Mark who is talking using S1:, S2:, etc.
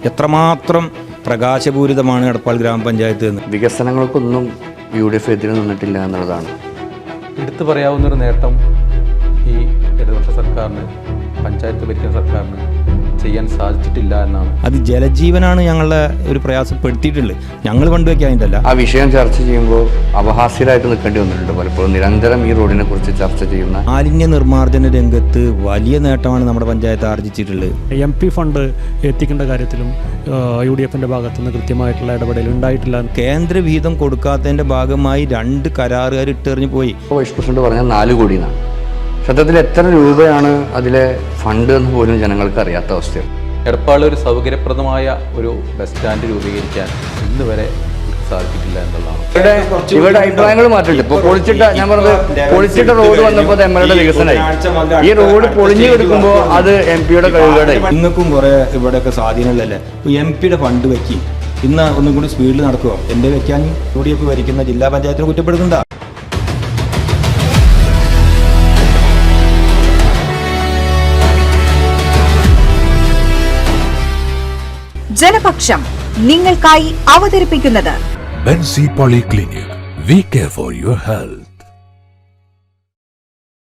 S1: എത്രമാത്രം പ്രകാശപൂരിതമാണ് എടപ്പാൾ ഗ്രാമപഞ്ചായത്ത് എന്ന്.
S2: വികസനങ്ങൾക്കൊന്നും UDF എതിരെ നിന്നിട്ടില്ല എന്നുള്ളതാണ്.
S3: എടുത്തു പറയാവുന്നൊരു നേട്ടം ഈ ഇടതുപക്ഷ സർക്കാരിന്, പഞ്ചായത്ത് ഭരിക്കുന്ന സർക്കാരിന് ചെയ്യാൻ സാധിച്ചിട്ടില്ല എന്നാണ്.
S1: അത് ജലജീവനാണ് ഞങ്ങളെ ഒരു പ്രയാസപ്പെടുത്തിയിട്ടുള്ളത്. ഞങ്ങൾ പണ്ടുവയ്ക്കാനിട്ടല്ല.
S2: ആ വിഷയം ചർച്ച ചെയ്യുമ്പോൾ അപഹാസ്യരായിട്ട് നിൽക്കേണ്ടി വന്നിട്ടുണ്ട് പലപ്പോഴും. നിരന്തരം ഈ റോഡിനെ കുറിച്ച് ചർച്ച ചെയ്യുന്ന
S1: മാലിന്യ നിർമ്മാർജ്ജന രംഗത്ത് വലിയ നേട്ടമാണ് നമ്മുടെ പഞ്ചായത്ത് ആർജിച്ചിട്ടുള്ളത്.
S4: MP ഫണ്ട് എത്തിക്കേണ്ട കാര്യത്തിലും UDFിൻ്റെ ഭാഗത്തുനിന്ന് കൃത്യമായിട്ടുള്ള ഇടപെടൽ ഉണ്ടായിട്ടില്ല.
S1: കേന്ദ്ര വിഹിതം കൊടുക്കാത്തതിൻ്റെ ഭാഗമായി 2 കരാറുകാർ ഇട്ടെറിഞ്ഞു പോയി.
S2: വൈസ് പ്രസിഡന്റ് പറഞ്ഞാൽ 4 കോടി എന്നാണ്. സത്യത്തിൽ എത്ര രൂപയാണ് അതിലെ ഫണ്ട് എന്ന് പോലും ജനങ്ങൾക്ക് അറിയാത്ത അവസ്ഥയാണ്.
S3: എടപ്പാൾ ഒരു സൗകര്യപ്രദമായ ഒരു ബസ് സ്റ്റാൻഡ് രൂപീകരിക്കാൻ ഇന്ന് വരെ സാധിച്ചിട്ടില്ല എന്നുള്ളതാണ്.
S2: ഇവരുടെ അഭിപ്രായങ്ങൾ മാറ്റിട്ടുണ്ട്. ഇപ്പോൾ ഞാൻ പറഞ്ഞത് പൊളിച്ചിട്ട റോഡ് വന്നപ്പോൾ MLA വികസനമായി. ഈ റോഡ് പൊളിഞ്ഞു കിടക്കുമ്പോൾ അത് MP-യുടെ കഴിവുകേടായി.
S1: നിങ്ങൾക്കും കുറെ ഇവിടെയൊക്കെ സ്വാധീനമുള്ളല്ലേ. MP-യുടെ ഫണ്ട് വെക്കി ഇന്ന് ഒന്നും കൂടി സ്പീഡിൽ നടക്കുമോ? എൻ്റെ വെക്കാൻ UDF ഭരിക്കുന്ന ജില്ലാ പഞ്ചായത്തിനെ കുറ്റപ്പെടുന്നുണ്ടോ?
S5: ജനപക്ഷം നിങ്ങൾക്കായി അവതരിപ്പിക്കുന്നത്
S6: Benzy polyclinic. We care for your health.